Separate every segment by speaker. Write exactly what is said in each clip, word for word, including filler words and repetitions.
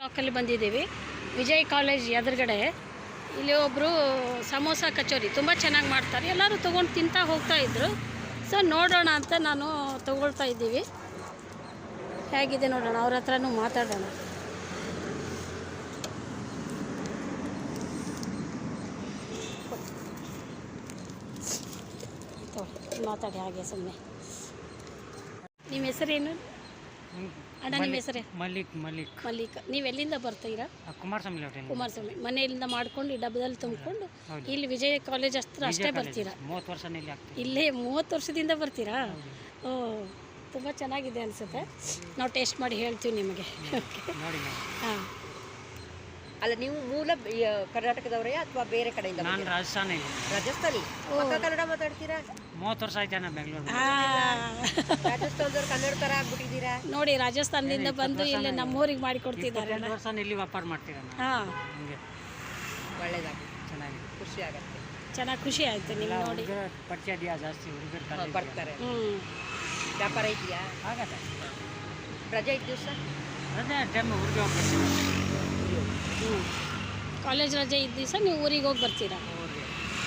Speaker 1: ಬ್ಲಾಕಲ್ಲಿ ಬಂದಿದ್ದೀವಿ. ವಿಜಯ್ ಕಾಲೇಜ್ ಎದುರುಗಡೆ ಇಲ್ಲಿ ಒಬ್ಬರು ಸಮೋಸ ಕಚೋರಿ ತುಂಬ ಚೆನ್ನಾಗಿ ಮಾಡ್ತಾರೆ. ಎಲ್ಲರೂ ತೊಗೊಂಡು ತಿಂತಾ ಹೋಗ್ತಾಯಿದ್ರು. ಸೊ ನೋಡೋಣ ಅಂತ ನಾನು ತೊಗೊಳ್ತಾ ಇದ್ದೀವಿ. ಹೇಗಿದೆ ನೋಡೋಣ, ಅವ್ರ ಹತ್ರನೂ ಮಾತಾಡೋಣ. ಮಾತಾಡಿ ಹಾಗೆ ಸುಮ್ಮನೆ. ನಿಮ್ಮ ಹೆಸರೇನು ಅಣ್ಣ? ನಿಮ್ಮ ಹೆಸರೇ?
Speaker 2: ಮಲ್ಲಿಕ್ ಮಲ್ಲಿಕ್
Speaker 1: ಮಲ್ಲಿಕ್. ನೀವು ಎಲ್ಲಿಂದ ಬರ್ತೀರಾ?
Speaker 2: ಕುಮಾರಸ್ವಾಮಿ
Speaker 1: ಕುಮಾರಸ್ವಾಮಿ. ಮನೆಯಿಂದ ಮಾಡ್ಕೊಂಡು ಈ ಡಬ್ಬದಲ್ಲಿ ತುಂಬಿಕೊಂಡು ಇಲ್ಲಿ ವಿಜಯ ಕಾಲೇಜ್ ಹತ್ರ ಅಷ್ಟೇ ಬರ್ತೀರಾ?
Speaker 2: ಮೂವತ್ತು ವರ್ಷ
Speaker 1: ಇಲ್ಲೇ ಮೂವತ್ತು ವರ್ಷದಿಂದ ಬರ್ತೀರಾ? ಓ, ತುಂಬ ಚೆನ್ನಾಗಿದೆ ಅನಿಸುತ್ತೆ. ನಾವು ಟೇಸ್ಟ್ ಮಾಡಿ ಹೇಳ್ತೀವಿ ನಿಮಗೆ. ಹಾಂ.
Speaker 3: ಅಲ್ಲ, ನೀವು ಮೂಲ ಕರ್ನಾಟಕದವರೇ ಅಥವಾ ಬೇರೆ ಕಡೆಯಿಂದ?
Speaker 2: ನಾನು ರಾಜಸ್ಥಾನ.
Speaker 3: ರಾಜಸ್ಥಾನಿ. ಕನ್ನಡ ಮಾತಾಡ್ತೀರಾ?
Speaker 2: ಮೂವತ್ತು ವರ್ಷ ಆಯ್ತು ನಾನು ಬೆಂಗಳೂರು.
Speaker 3: ರಾಜಸ್ಥಾನದವ್ರು ಕನ್ನಡ ಥರ ಆಗ್ಬಿಟ್ಟಿದ್ದೀರಾ
Speaker 1: ನೋಡಿ. ರಾಜಸ್ಥಾನದಿಂದ ಬಂದು ಇಲ್ಲಿ ನಮ್ಮೂರಿಗೆ ಮಾಡಿ ಕೊಡ್ತಿದ್ದಾರೆ.
Speaker 2: ವರ್ಷ ಇಲ್ಲಿ ವ್ಯಾಪಾರ ಮಾಡ್ತೀರಾ?
Speaker 1: ಹಾಂ.
Speaker 2: ಹಂಗೆ
Speaker 3: ಒಳ್ಳೇದಾಗಿ
Speaker 2: ಚೆನ್ನಾಗಿ
Speaker 3: ಖುಷಿ ಆಗುತ್ತೆ.
Speaker 1: ಚೆನ್ನಾಗಿ ಖುಷಿ ಆಯಿತು ನಿಮ್ಗೆ ನೋಡಿ.
Speaker 2: ಪರಿಚಯ ಇದೆಯಾ ಜಾಸ್ತಿ? ಹುಡುಗರು
Speaker 3: ಬರ್ತಾರೆ.
Speaker 1: ಹ್ಞೂ.
Speaker 3: ವ್ಯಾಪಾರ ಇದೆಯಾ?
Speaker 2: ಆಗತ್ತೆ.
Speaker 3: ರಜೆ ಇದ್ದ ದಿವಸ
Speaker 2: ರಜೆ ಟೈಮ್ ಊರಿಗೆ ಹೋಗ್ಬೇಕು.
Speaker 1: ಹ್ಞೂ. ಕಾಲೇಜ್ ರಜೆ ಇದ್ದ ದಿವಸ ನೀವು ಊರಿಗೆ ಹೋಗಿ ಬರ್ತೀರಾ?
Speaker 2: ಊರಿಗೆ.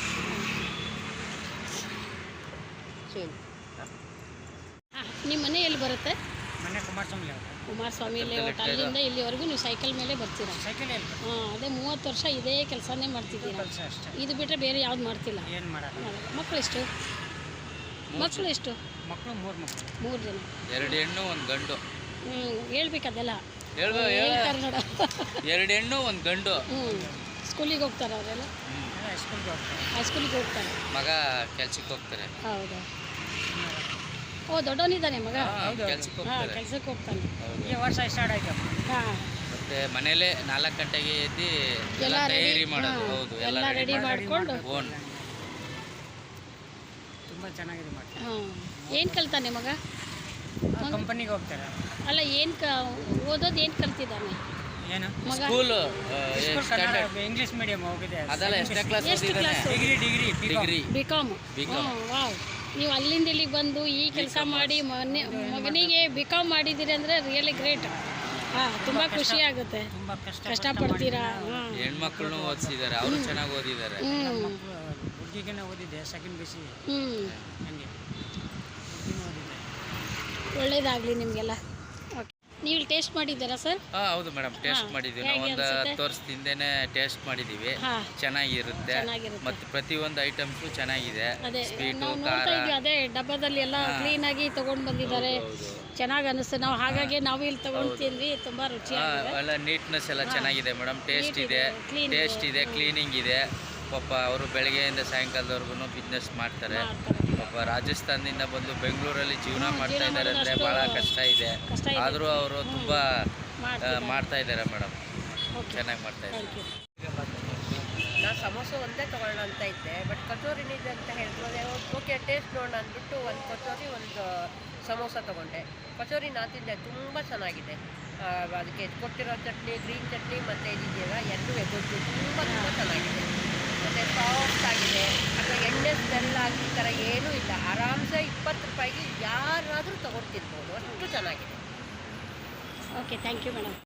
Speaker 1: ಹಾಂ. ನಿಮ್ಮ ಮನೆ ಎಲ್ಲಿ ಬರುತ್ತೆ?
Speaker 2: ಮನೆ ಕುಮಾರಸ್ವಾಮಿ.
Speaker 1: ಕುಮಾರಸ್ವಾಮಿ ಲೇಔಟ್. ಅಲ್ಲಿಂದ ಇಲ್ಲಿವರೆಗೂ ನೀವು ಸೈಕಲ್ ಮೇಲೆ ಬರ್ತೀರಾ?
Speaker 2: ಸೈಕಲ್
Speaker 1: ಹಾಂ. ಅದೇ ಮೂವತ್ತು ವರ್ಷ ಇದೇ ಕೆಲಸನೇ ಮಾಡ್ತಿದ್ದೀರಾ?
Speaker 2: ಕೆಲಸ ಅಷ್ಟೇ.
Speaker 1: ಇದು ಬಿಟ್ಟರೆ ಬೇರೆ ಯಾವ್ದು ಮಾಡ್ತಿಲ್ಲ?
Speaker 2: ಏನು ಮಾಡಲ್ಲ.
Speaker 1: ಮಕ್ಕಳು ಎಷ್ಟು? ಮಕ್ಕಳು ಎಷ್ಟು?
Speaker 2: ಮಕ್ಕಳು ಮೂರು ಮಕ್ಕಳು.
Speaker 1: ಮೂರು ಜನ.
Speaker 4: ಎರಡು ಹೆಣ್ಣು ಒಂದು ಗಂಡು.
Speaker 1: ಹ್ಞೂ. ಹೇಳ್ಬೇಕು ಅದೆಲ್ಲ.
Speaker 4: ಹೇಳ್ಬೋ
Speaker 1: ಹೇಳ್ತಾರೆ ನೋಡ.
Speaker 4: ಎರಡು ಹೆಣ್ಣು ಒಂದು ಗಂಡು.
Speaker 1: ಹ್ಞೂ. ಸ್ಕೂಲಿಗೆ ಹೋಗ್ತಾರೆ ಅವರೆಲ್ಲ?
Speaker 2: ಸ್ಕೂಲ್ಗೆ ಹೋಗ್ತಾರೆ.
Speaker 1: ಹೈಸ್ಕೂಲಿಗೆ ಹೋಗ್ತಾರೆ.
Speaker 4: ಮಗ ಕೆಲ್ಸಕ್ಕೆ ಹೋಗ್ತಾರೆ.
Speaker 1: ಹೌದಾ? ಓ, ದೊಡ್ಡವನಿದ್ದಾನೆ ಮಗ?
Speaker 4: ಕೆಲ್ಸಕ್ಕೆ
Speaker 1: ಹಾಂ,
Speaker 4: ಹೋಗ್ತಾರೆ.
Speaker 1: ಕೆಲ್ಸಕ್ಕೆ ಹೋಗ್ತಾನೆ.
Speaker 2: ಈ ವರ್ಷ ಸ್ಟಾರ್ಟ್ ಆಯ್ತು.
Speaker 1: ಹಾಂ.
Speaker 4: ಮತ್ತೆ ಮನೇಲೆ ನಾಲ್ಕು ಗಂಟೆಗೆ ಎದ್ದು ಎಲ್ಲ
Speaker 1: ಎಲ್ಲ
Speaker 4: ತಯಾರಿ
Speaker 1: ರೆಡಿ
Speaker 4: ಮಾಡೋದು. ಹೌದು,
Speaker 1: ಎಲ್ಲ ರೆಡಿ ಮಾಡಿಕೊಂಡು.
Speaker 4: ಓನ್
Speaker 2: ತುಂಬ ಚೆನ್ನಾಗಿದೆ ಮಾಡ್ತಾರೆ.
Speaker 1: ಹಾಂ. ಏನು ಕಲ್ತಾನೆ ಮಗ?
Speaker 2: ಕಂಪನಿಗೆ ಹೋಗ್ತಾರೆ.
Speaker 1: ಅಲ್ಲ, ಏನು ಕ ಓದೋದು ಏನು ಕಲ್ತಿದ್ದಾನೆ
Speaker 2: ಏನು?
Speaker 1: ಮಗ?
Speaker 4: ಸ್ಕೂಲ್
Speaker 2: ಇಂಗ್ಲೀಷ್ ಮೀಡಿಯಂ ಹೋಗಿದೆ.
Speaker 4: ಅದೆಲ್ಲ ಎಷ್ಟನೇ ಕ್ಲಾಸ್
Speaker 1: ಎಷ್ಟು
Speaker 4: ಓದಿದ್ದಾನೆ?
Speaker 1: Class?
Speaker 2: Degree degree
Speaker 4: degree.
Speaker 1: B com.
Speaker 4: B com.
Speaker 1: ಹ್ಞೂ. ವಾವ್. ನೀವು ಅಲ್ಲಿಂದ ಇಲ್ಲಿಗೆ ಬಂದು ಈ ಕೆಲಸ ಮಾಡಿ ಮನೆ ಮಗನಿಗೆ ಬಿ ಕಾಮ್ ಮಾಡಿದ್ದೀರಿ ಅಂದರೆ ರಿಯಲಿ ಗ್ರೇಟ್. ಹಾಂ. ತುಂಬ ಖುಷಿ ಆಗುತ್ತೆ.
Speaker 2: ತುಂಬ ಕಷ್ಟ
Speaker 1: ಕಷ್ಟಪಡ್ತೀರಾ? ಹಾಂ.
Speaker 4: ಹೆಣ್ಮಕ್ಳನ್ನೂ ಓದಿಸಿದ್ದಾರೆ. ಅವರು ಚೆನ್ನಾಗಿ ಓದಿದ್ದಾರೆ.
Speaker 1: ಹ್ಞೂ.
Speaker 2: ಹುಡುಗಿಗೆ ಓದಿದ್ದೆ ಸೆಕೆಂಡ್ ಬಿ ಸಿ.
Speaker 1: ಹ್ಞೂ.
Speaker 2: ಹಂಗೆ ಹುಡುಗಿನೂ ಓದಿದ್ದೆ.
Speaker 1: ಒಳ್ಳೇದಾಗಲಿ ನಿಮಗೆಲ್ಲ. ಓಕೆ. ನೀವು ಇಲ್ಲಿ ಟೇಸ್ಟ್ ಮಾಡಿದ್ದೀರಾ ಸರ್?
Speaker 4: ಹಾಂ, ಹೌದು ಮೇಡಮ್. ಟೇಸ್ಟ್ ಮಾಡಿದ್ದೀವಿ. ನಾವು ಒಂದು ಹತ್ತು ವರ್ಷದಿಂದನೇ ಟೇಸ್ಟ್ ಮಾಡಿದ್ದೀವಿ.
Speaker 1: ಹಾಂ.
Speaker 4: ಚೆನ್ನಾಗಿರುತ್ತೆ.
Speaker 1: ಚೆನ್ನಾಗಿರುತ್ತೆ.
Speaker 4: ಮತ್ತು ಪ್ರತಿಯೊಂದು ಐಟಮ್ಸು ಚೆನ್ನಾಗಿದೆ.
Speaker 1: ಅದೇ
Speaker 4: ಸ್ವೀಟು,
Speaker 1: ನಾವು
Speaker 4: ಖಾರ.
Speaker 1: ನೋಡ್ತಾ ಇದ್ವಿ. ಅದೇ ಡಬ್ಬದಲ್ಲಿ ಎಲ್ಲ ಕ್ಲೀನಾಗಿ ತೊಗೊಂಡು ಬಂದಿದ್ದಾರೆ. ಚೆನ್ನಾಗಿ ಅನಿಸ್ತು. ನಾವು ಹಾಗಾಗಿ ನಾವು ಇಲ್ಲಿ ತೊಗೊಂಡು ತಿಂದ್ವಿ. ತುಂಬ ರುಚಿಯಾಗಿದೆ.
Speaker 4: ಎಲ್ಲ ನೀಟ್ನೆಸ್ ಎಲ್ಲ ಚೆನ್ನಾಗಿದೆ ಮೇಡಮ್. ಟೇಸ್ಟ್ ಇದೆ, ಟೇಸ್ಟ್ ಇದೆ, ಕ್ಲೀನಿಂಗ್ ಇದೆ. ಪಾಪ ಅವರು ಬೆಳಗ್ಗೆಯಿಂದ ಸಾಯಂಕಾಲದವರೆಗೂ ಬಿಸ್ನೆಸ್ ಮಾಡ್ತಾರೆ. ಪಾಪ ರಾಜಸ್ಥಾನದಿಂದ ಬಂದು ಬೆಂಗಳೂರಲ್ಲಿ ಜೀವನ ಮಾಡ್ತಾ ಇದ್ದಾರೆ ಅಂದರೆ ಭಾಳ ಕಷ್ಟ ಇದೆ. ಆದರೂ ಅವರು ತುಂಬ ಮಾಡ್ತಾ ಇದ್ದಾರೆ ಮೇಡಮ್. ಚೆನ್ನಾಗಿ ಮಾಡ್ತಾ ಇದ್ದಾರೆ.
Speaker 3: ನಾನು ಸಮೋಸ ಒಂದೇ ತೊಗೊಳ್ಳೋಣ ಅಂತ ಇದ್ದೆ, ಬಟ್ ಕಚೋರಿನಿದೆ ಅಂತ ಹೇಳಿದ್ರು. ಓಕೆ, ಟೇಸ್ಟ್ ನೋಡೋಣ ಅಂದ್ಬಿಟ್ಟು ಒಂದು ಕಚೋರಿ ಒಂದು ಸಮೋಸ ತೊಗೊಂಡೆ. ಕಚೋರಿ ನಾನು ತಿಂದೆ, ತುಂಬ ಚೆನ್ನಾಗಿದೆ. ಅದಕ್ಕೆ ಕೊಟ್ಟಿರೋ ಚಟ್ನಿ, ಗ್ರೀನ್ ಚಟ್ನಿ ಮತ್ತು ಇದಿದೆಯಲ್ಲ ಎರಡು ಗೊಜ್ಜು ತುಂಬ ತುಂಬ ಚೆನ್ನಾಗಿದೆ. ಮತ್ತು ಸಾಫ್ಟ್ ಆಗಿದೆ. ಅಥವಾ ಎಣ್ಣೆ ಸ್ಮೆಲ್ ಆಗಿ ಈ ಥರ ಏನೂ ಇಲ್ಲ. ಆರಾಮ್ಸೆ ಇಪ್ಪತ್ತು ರೂಪಾಯಿಗೆ ಯಾರಾದರೂ ತೊಗೊಂಡು ತಿನ್ಬೋದು. ಅಷ್ಟು ಚೆನ್ನಾಗಿದೆ.
Speaker 1: Okay, thank you madam.